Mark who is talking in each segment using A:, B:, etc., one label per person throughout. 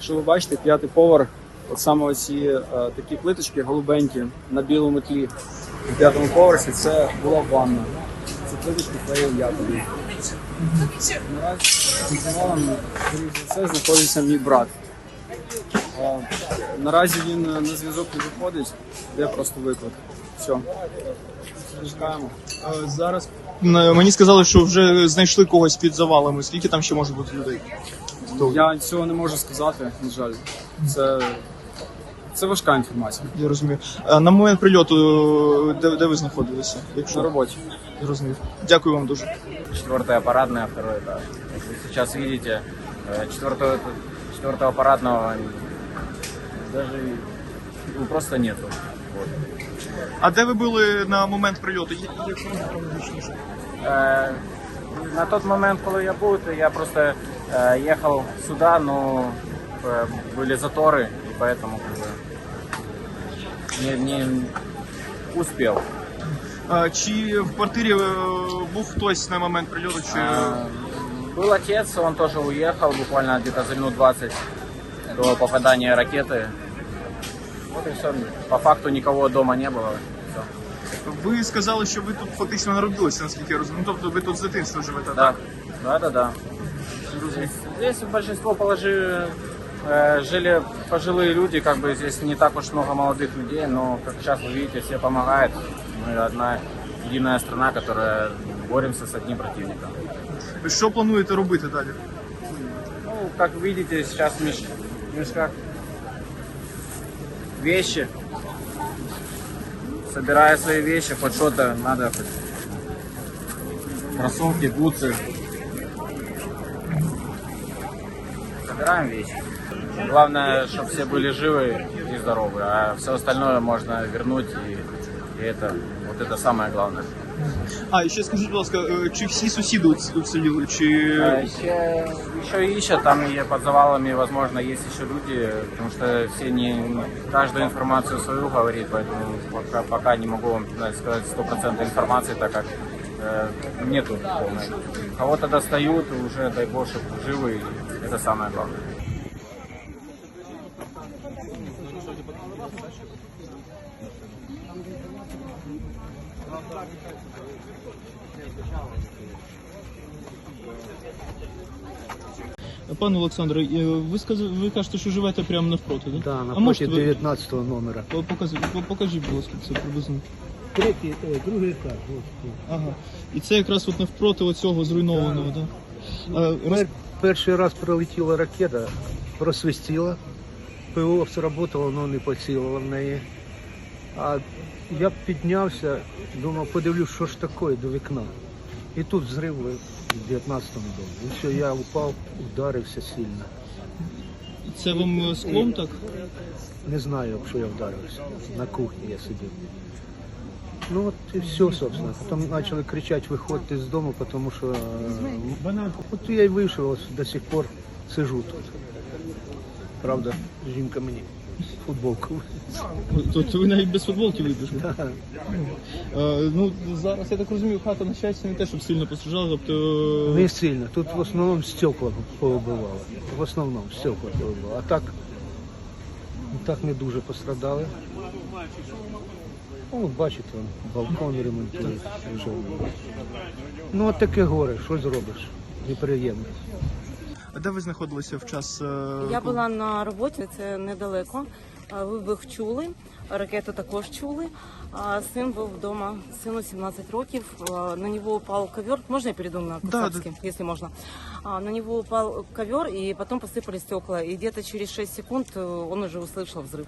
A: Якщо ви бачите, 5-й поверх, от саме оці такі плиточки голубенькі на білому тлі на 5-му поверсі, це була ванна. Ці плиточки клеїв я тобі. Наразі під завалом, скоріш за все, знаходиться мій брат. Наразі він на зв'язок не виходить, де просто виклик. Все, чекаємо.
B: Зараз мені сказали, що вже знайшли когось під завалами. Скільки там ще може бути людей?
A: Я цього не можу сказати, на жаль. Це важка інформація.
B: Я розумію. А на момент прильоту, де ви знаходилися?
A: На роботі.
B: Зрозумів. Дякую вам дуже.
C: 4-я парадная, 2-й этаж. Как вы сейчас видите, 4-го парадного даже просто нету. Вот.
B: А де ви були на момент прильоту?
C: На тот момент, когда я был, то я просто ехал сюда, но были заторы, и поэтому как бы, не успел.
B: Чи в квартирі був хтось на момент прильоту? Чи...
C: Был отец, он тоже уехал буквально где-то за минут 20 до попадания ракеты. Вот и все. По факту никого дома не было. Все.
B: Ви сказали, що ви тут фактично народилися, наскільки я розумію. Тобто ви тут з дитинства живете,
C: Да.
B: так?
C: Да. Здесь большинство жили пожилые люди, как бы здесь не так уж много молодых людей, но как сейчас вы видите, все помогают. Мы одна единая страна, которая боремся с одним противником.
B: Що плануєте робити далі?
C: Ну, как видите, сейчас в мешках вещи. Собирая свои вещи, хоть что-то надо, хоть кроссовки, бутсы. Собираем вещи. Главное, чтобы все были живы и здоровы, а все остальное можно вернуть, и это, вот это самое главное.
B: А, і ще скажіть, будь ласка, чи всі сусіди уціліли, чи...
C: Еще ищут, там и под завалами, возможно, есть еще люди, потому что все каждую информацию свою говорит, поэтому пока не могу вам сказать 100% информации, так как нету полной. Кого-то достают, уже, дай бог, чтобы живы, это самое главное.
B: Пане Олександре, ви кажете, що живете прямо навпроти, так?
D: Да, напротив 19-го номера.
B: Покажіть, будь ласка, це приблизно.
D: Другий етаж.
B: Ага. І це якраз от навпроти оцього зруйнованого, так?
D: Перший раз прилетіла ракета, просвистіла, ПВО сработало, але не поцілило в неї. А я піднявся, думав, подивлюсь, що ж таке до вікна. І тут взрив в 19-му домі. І все, я упав, ударився сильно.
B: Це вам склом так?
D: Не знаю, якщо я вдарився. На кухні я сидів. Ну от і все, собственно. Потім почали кричати, виходьте з дому, тому що... От я й вийшов, ось до сих пор сижу тут. Правда, жінка мені футболку.
B: Тобто ви навіть без футболки вибіжли? Ну, зараз, я так розумію, хата, на щастя, не те, щоб сильно постраждала, тобто...
D: Не сильно. Тут в основному стекла повибивало. В основному стекла повибивало. А так не дуже пострадали. Ну, бачите, балкон ремонтують. Ну, от таке горе, що зробиш? Неприємно.
B: А де ви знаходилися в час...
E: Я була на роботі, це недалеко. Вибух чули, ракету також чули. Син був вдома, сину 17 років. На нього упав ковер. Можна я перейду на кацапский, если можно? На него упал ковер, и потом посыпались стекла. И где-то через 6 секунд он уже услышал взрыв.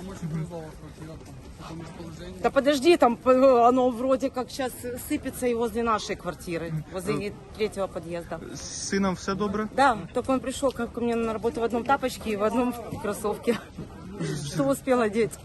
E: Да подожди, там оно вроде как сейчас сыпется и возле нашей квартиры, возле 3-го подъезда.
B: З сином все добре?
E: Да, только он пришел ко мне на работу в одном тапочке и в одном кроссовке. Что успел одеть?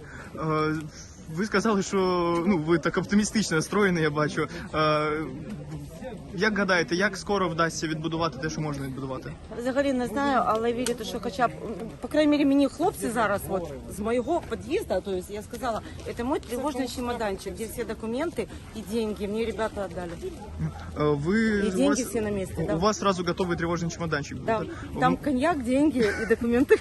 B: Ви сказали, що ви так оптимістично настроєні, я бачу. Як гадаєте, як скоро вдасться відбудувати те, що можна відбудувати?
E: Взагалі не знаю, але вірю, що хоча б, по крайній мірі, мені хлопці зараз, от, з моєго під'їзду, то есть я сказала, це мій тривожний чемоданчик, де всі документи і деньги мені ребята віддали.
B: Ви,
E: І деньги всі на місці, да.
B: У вас сразу готовий тривожний чемоданчик.
E: Да.
B: буде?
E: Там коньяк, деньги і документи.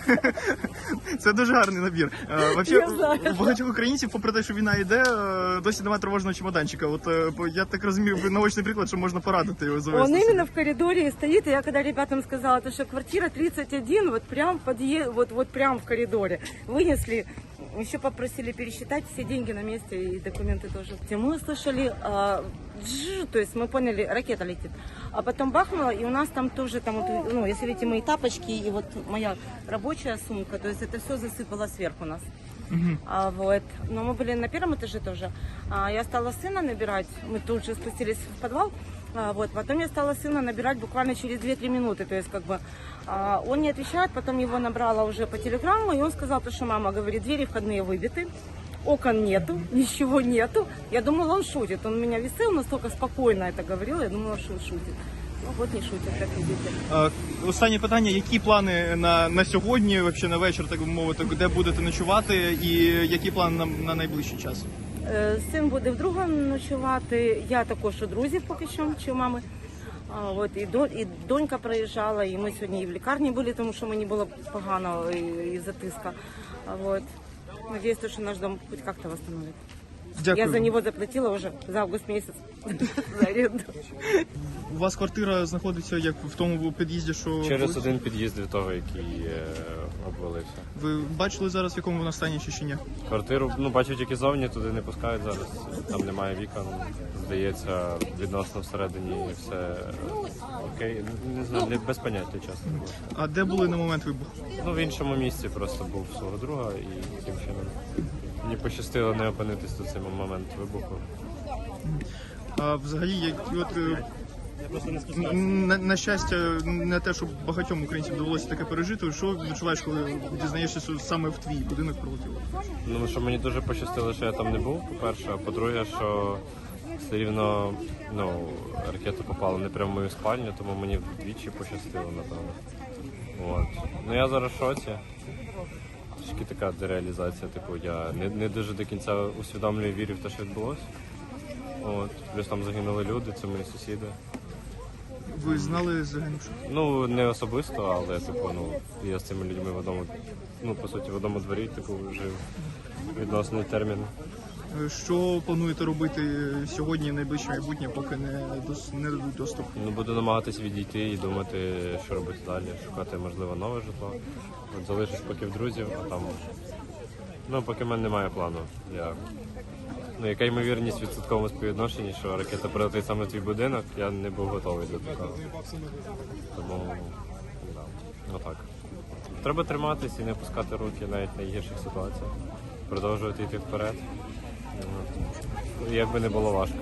B: Це дуже гарний набір. Вообще,
E: Я знаю.
B: у багатьох українців, попри те, що війна йде, досі немає тривожного чемоданчика. От я так розумію, ви наочний приклад, що можна порадити його завести.
E: Он именно в коридоре стоит, и я когда ребятам сказала, то, что квартира 31, вот прям вот прям в коридоре. Вынесли, еще попросили пересчитать все деньги на месте и документы тоже. Мы услышали, то есть мы поняли, ракета летит. А потом бахнуло, и у нас там тоже, там, вот, ну, если видите, мои тапочки и вот моя рабочая сумка, то есть это все засыпало сверху нас. Вот. Но мы были на первом этаже тоже. Я стала сына набирать, мы тут же спустились в подвал. Вот. Потом я стала сына набирать буквально через 2-3 минуты. То есть как бы он не отвечает, потом его набрала уже по телеграмму, и он сказал, что мама говорит, двери входные выбиты, окон нету, ничего нету. Я думала, он шутит. Он меня висел, настолько спокойно это говорил, я думала, что он шутит. Ну вот не шутит, як видите.
B: Останнє питання, які плани на сьогодні, вообще на вечір, так би мовити, де будете ночувати і які плани на найближчий час?
E: Син буде вдруге ночувати, я також у друзів поки що, чи у мами. От, і донька приїжджала, і ми сьогодні і в лікарні були, тому що мені було погано із-за тиска. От. Надіюсь, що наш дом хоч як-то восстановить.
B: Дякую.
E: Я за нього заплатила вже за август місяць за оренду.
B: У вас квартира знаходиться як в тому під'їзді, що...
F: Через один під'їзд від того, який обвалився.
B: Ви бачили зараз, в якому вона стані чи ще ні?
F: Квартиру, бачу тільки зовні, туди не пускають зараз. Там немає вікон. Здається, відносно всередині все окей. Не знаю, без поняття, чесно.
B: А де були на момент вибуху?
F: В іншому місці просто був свого друга і таким чином мені пощастило не опинитись до цей момент вибуху.
B: А взагалі, на щастя, не те, що багатьом українцям довелося таке пережити. Що відчуваєш, коли дізнаєшся, що саме в твій будинок прилетіло?
F: Що мені дуже пощастило, що я там не був, по-перше. А по-друге, що все рівно ракета попала не прямо в мою спальню, тому мені вдвічі пощастило, напевно. Я зараз в шоці. Трішки така дереалізація, я не дуже до кінця усвідомлюю і вірю в те, що відбулося. Плюс там загинули люди, це мої сусіди.
B: Ви знали загинувших?
F: Не особисто, але я з цими людьми в одному, по суті, в одному дворі, жив відносний термін.
B: Що плануєте робити сьогодні, найближче майбутнє, поки не дадуть доступ?
F: Буду намагатися відійти і думати, що робити далі, шукати, можливо, нове житло. Залишусь поки в друзів, а там, поки в мене немає плану. Яка ймовірність в відсотковому співвідношенні, що ракета прилетить саме в твій будинок, я не був готовий до такого. Тому, так. Треба триматись і не пускати руки навіть в найгірших ситуаціях. Продовжувати йти вперед. Як би не було важко.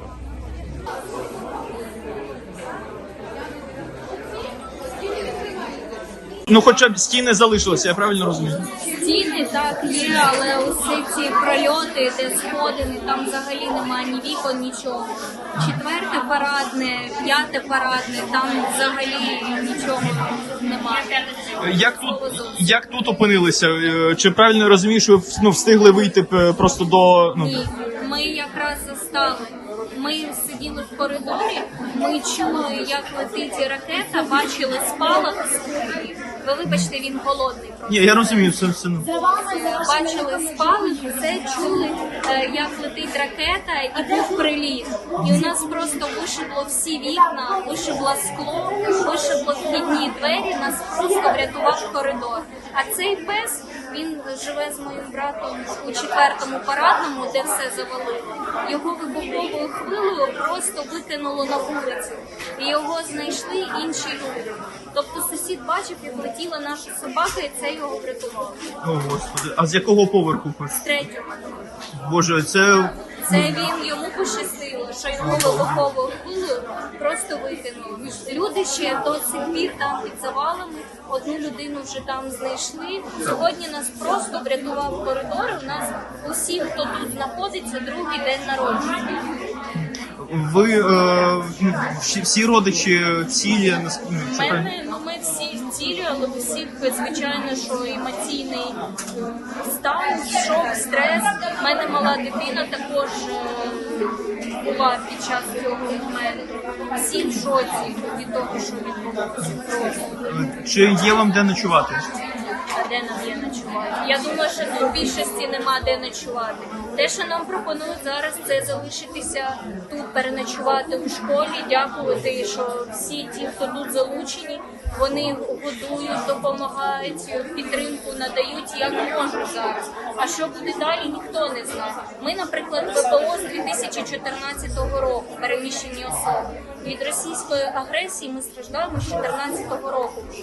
B: Хоча б стіни залишилися, я правильно розумію?
G: Стіни так є, але усі ці прольоти, де сходини, там взагалі немає ні вікон, нічого. 4-те парадне, 5-те парадне, там взагалі нічого немає.
B: Як тут опинилися? Чи правильно розумію, що ви встигли вийти просто до...
G: Ні, ми якраз застали. Ми сиділи в коридорі, ми чули, як летить ракета, бачили спалах з кухні. Ви вибачте, він холодний просто.
B: Ні, я розумію, все.
G: Бачили спалах, все чули, як летить ракета, і був приліт. І у нас просто вишибло всі вікна, вишибло скло, вишибло вхідні двері, нас просто врятував коридор. А цей пес, він живе з моїм братом у 4-му парадному, де все завалило. Його вибуховою хвилею просто викинуло на вулицю. І його знайшли інші люди. Тобто сусід бачив, як летіла наша собака, і це його врятувало.
B: О, Господи. А з якого поверху?
G: З 3-го.
B: Боже, це...
G: Йому пощастило, що його вибуховою хвилею просто викинуло. Люди ще до сих пір там під завалами, одну людину вже там знайшли. Сьогодні нас просто врятував коридор, у нас усі, хто тут знаходиться, другий день народження.
B: Ви всі родичі цілі?
G: Ми всі цілі, але у всіх, звичайно, що емоційний стан, шок, стрес. У мене мала дитина також була під час цього моменту. Всі в шоці від того, що відбувається просто.
B: Чи є вам де ночувати?
G: А де нам є ночувати? Я думаю, що тут в більшості нема де ночувати. Те, що нам пропонують зараз, це залишитися тут, переночувати у школі, дякувати, що всі ті, хто тут залучені, вони годують, допомагають, підтримку надають, як можуть зараз. А що буде далі, ніхто не знає. Ми, наприклад, ВПО з 2014 року, переміщені особи. Від російської агресії ми страждаємо з 2014 року вже.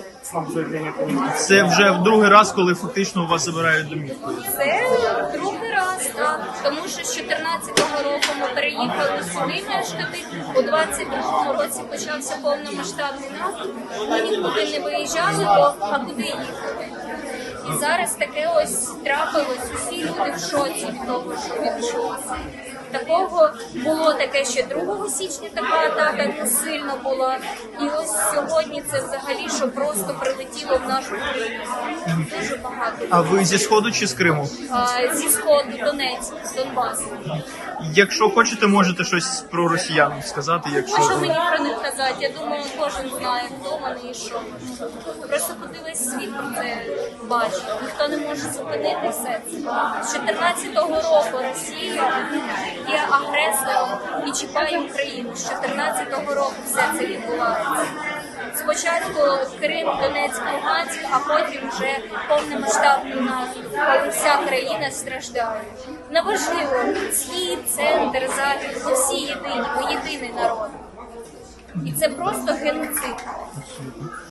B: Це вже в другий раз, коли фактично у вас забирають домівку.
G: Це другий раз, так. Тому що з 2014 року ми переїхали сюди мешкати, у 22-му році почався повномасштабний наступ, ми нікуди не виїжджали, а куди їхати? І зараз таке ось трапилось, усі люди в шоці від того, що відбулося. Такого було таке ще 2 січня, така атака не сильно була. І ось сьогодні це взагалі, що просто прилетіло в нашу країну. Дуже багато.
B: А ви зі Сходу чи з Криму?
G: Зі Сходу, Донецьк, Донбас.
B: Якщо хочете, можете щось про росіян сказати,
G: А що
B: якщо...
G: мені про них казати? Я думаю, кожен знає, хто вони і що. Просто куди весь світ про це бачить. Ніхто не може зупинити все це. З 2014 року Росія є агресором і чіпає Україну. З 2014 року все це відбувається. Спочатку Крим, Донецьк, Луганськ, а потім вже повномасштабний наступ, коли вся країна страждає. Неважливо, схід, центр, захід, ми всі єдині, ми єдиний народ. І це просто геноцид.